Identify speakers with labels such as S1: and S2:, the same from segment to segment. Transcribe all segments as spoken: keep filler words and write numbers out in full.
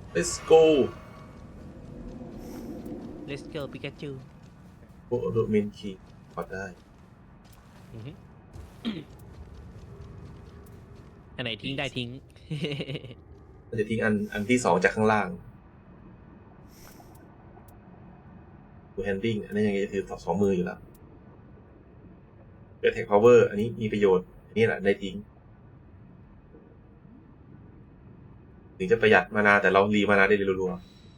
S1: let's go
S2: Let's go ปิกาจู
S1: โอ้โดเมนคีพอได้
S2: อันไหนทิ้งได้ทิ้ง
S1: เราจะทิ้งอันอันที่สองจากข้างล่างดูแฮนดิ้งอันนี้ยังไงจะถือสองมืออยู่แล้วเกิดแท็กพาวเวอร์อันนี้มีประโยชน์อันนี้แหละได้ทิ้งถึงจะประหยัดมานาแต่เรารีมานาได้รัว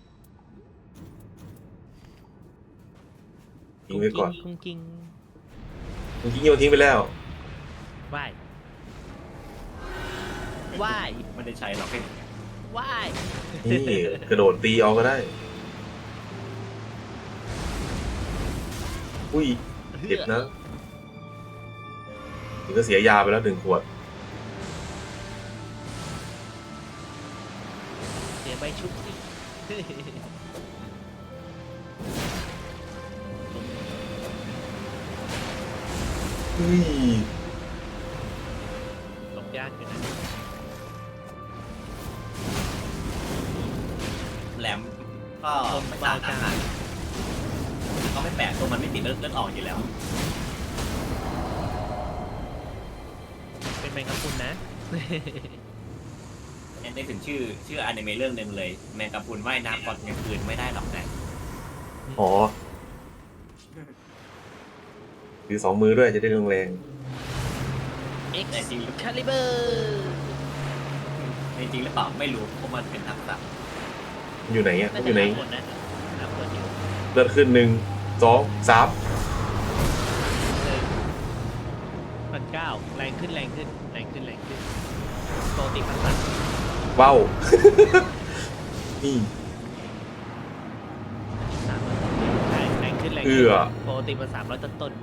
S1: ๆทิ้งไว้ก่อน
S2: กุ้งกิ้ง
S1: เมื่อกี้โยนทิ้งไปแล้ว
S2: ว่ายว่าย
S3: ไม่ได้ใช้หรอก
S2: ว่าย
S1: นี่กระโดดตีเอาก็ได้อุ้ยเจ็บนะถึงก็เสียยาไปแล้วหนึ่งขวด
S2: เสียใบชุบสิ
S1: อุ้ย
S2: หลบยากอยู่นะ
S3: แหลมก็ไม่ต่างกันก็ไม่แปลกตัวมันไม่ติดเลือดเลือดออกอยู่แล้ว
S2: เป็นแมงกะพรุนนะ
S3: แอนได้ถึงชื่อชื่ออนิเมะเรื่องหนึ่งเลยแมงกะพรุนว่ายน้ำก่อนกลางคืนไม่ได้หรอกนะ
S1: อ๋อถือสองมือด้วยจะได้แรง
S2: X Caliber
S3: จริงหรือเปล่าไม่รู้เพราะมันเป็นทักษะ
S1: อยู่ไหนอ่ะอยู่ไหน
S2: เ
S1: ลือดขึ้นหนึ่งสองสาม
S2: พันเก้าแรงขึ้นแรงขึ้นแรงขึ้นแรงขึ้นโตติพันสัตว์
S1: ว้าวนี่
S2: สามร้อยต้นแรงแรงขึ้นแรงขึ้นโตติมาสามร้อยต้นต้น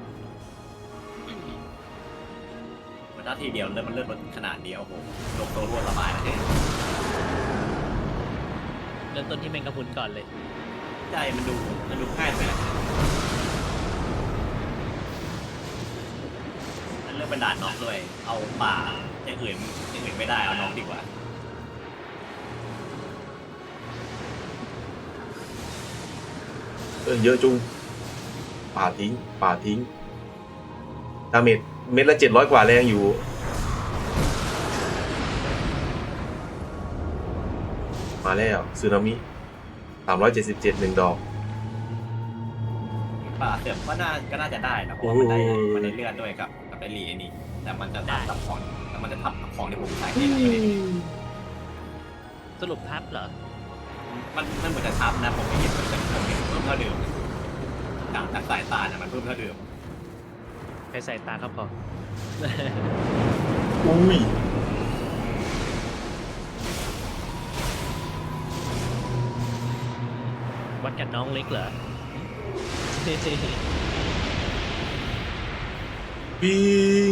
S3: มันถ้าทีเดียวเลือดมันเลือดมันขนาดเดียวโอ้โหลงตัวรวดสบายเลย
S2: เริ่มต้นที่แมงกะพรุนก่อนเลย
S3: ใช่มันดูมันดูง่ายไปนะมันเริ่มเป็นด่านน็อกด้วยเอาป่าอย่างอื่นอย่างอื่นไม่ได้เอาน็อกดีกว่า
S1: เออเยอะจุงป่าทิ้งป่าทิ้งดาเมจเม็ดละเจ็ดร้อยกว่าแรงอยู่มาแล้วสึนามิสามร้อยเจ็ดสิบเจ็ดหนึ่งดอก
S3: ป่าเสื่อมก็น่าก็น่าจะได้นะเพราะมันได้มันได้เลือดด้วยกับกับไอรีไอนี่แต่มันจะทับกับของแต่มันจะทับกับของที่ผมใช้ที่ไม่ได้
S2: สรุปทับเหรอ
S3: มันมันเหมือนจะทับนะผมไม่เห็นมันจะผมเห็นเพิ่มเท่าเดิมจากจากสายตาเนี่ยมันเพิ่มเท่าเดิม
S2: ใช้สายตาครับพอ
S1: อุ้ย
S2: วัดกับน้องเล็กเหรอ
S1: ปิง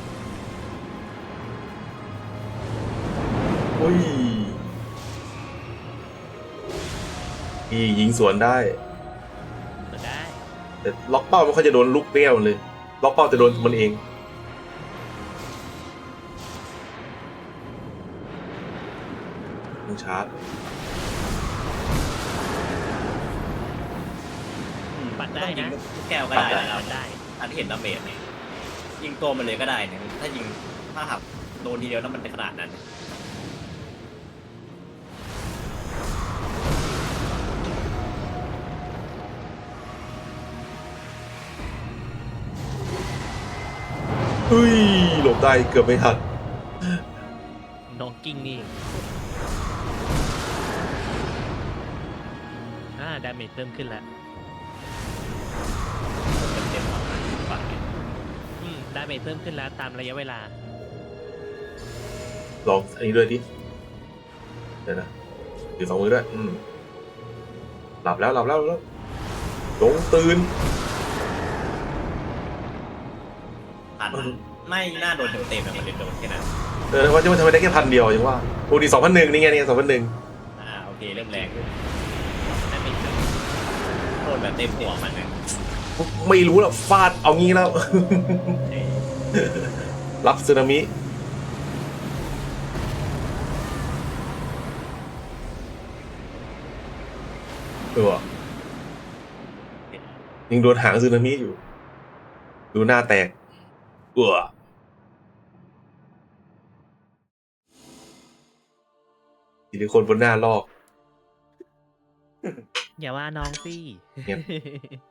S1: โอ้ยพี่ยิงสวนได้
S2: ได้
S1: แต่ล็อกเป้ามันเขาจะโดนลูกเปี้ยวเลยล็อกเป้าจะโดนมันเองต้องชาร์จ
S2: ปัดได้นะ
S3: แก้วก็ได้เราได้อันที่เห็นดาเมจเนี่ยยิงตัวมันเลยก็ได้เนี่ยถ้ายิงถ้าหักโดนทีเดียวแล้วมันเป็นขนาดนั้น
S1: เฮ้ยหลบได้เกือบไม่ทัน
S2: น้องกิ้งนี่อ่าดาเมจเพิ่มขึ้นแล้ว
S3: เต็มๆฝั่งนี้
S2: อืมดาเมจเพิ่มขึ้นแล้วตามระยะเวลา
S1: ลองอันนี้ด้วยดิเดี๋ยวนะถือสองมือด้วยอืมหลับแล้วหลับแล้วแล้วลงตื่น
S3: ผ่านไม่น่าโดนเต็มๆมันเลยโดนแค่นั้น
S1: เออว่าจะทำไมได้แค่พันเดียวยังว่าโอ้ดีสองพันหนึ่งนี่ไงนี่สองพันหนึ่ง
S3: อ่าโอเคเริ่มแรงนั่นเองโดนแบบเต็มหัวมันเลย
S1: ไม่รู้หรอกฟาดเอางี้แล้วรับสึนามิเออยังโดนหางซึนามิอยู่ ดูหน้าแตกเออซิลิโคนบนหน้าลอก
S2: อย่าว่าน้องสิ
S1: เงียบ